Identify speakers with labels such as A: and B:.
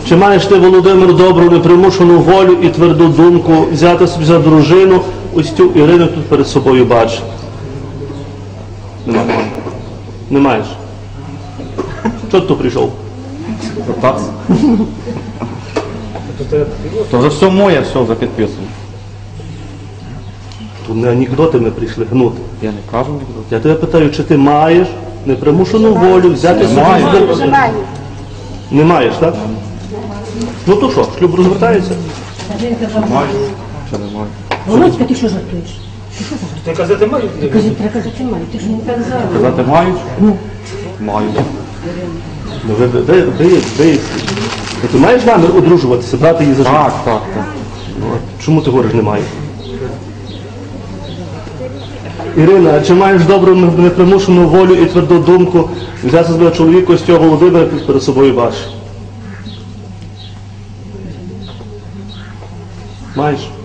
A: Чи маєш ти, Володимир, добру, непримушену волю і тверду думку взяти собі за дружину ось цю Ірину тут перед собою бачиш? Немає. Не маєш? Чого ти тут прийшов?
B: Кататься. То вже все моє, все вже підписано.
A: Тут не анекдоти ми прийшли гнути.
B: Я не кажу нікуди.
A: Я тебе питаю, чи ти маєш непримушену волю взяти собі
B: Маю.
A: за дружину? Не маєш, так? Ну то що, шлюб розвертається?
B: Маю. Чи не маю?
C: Володька, ти що жартуєш?
D: Ти казати маю?
C: Треба казати маю, ти ж не так зараз.
B: Казати мають? Маю.
A: Ну, ти маєш намір одружуватися, брати її за життя?
B: Так.
A: Чому ти говориш немає? Ірина, а чи маєш добру непримушену волю і тверду думку взяти себе чоловіка ось цього Володимира перед собою бачиш? Маєш?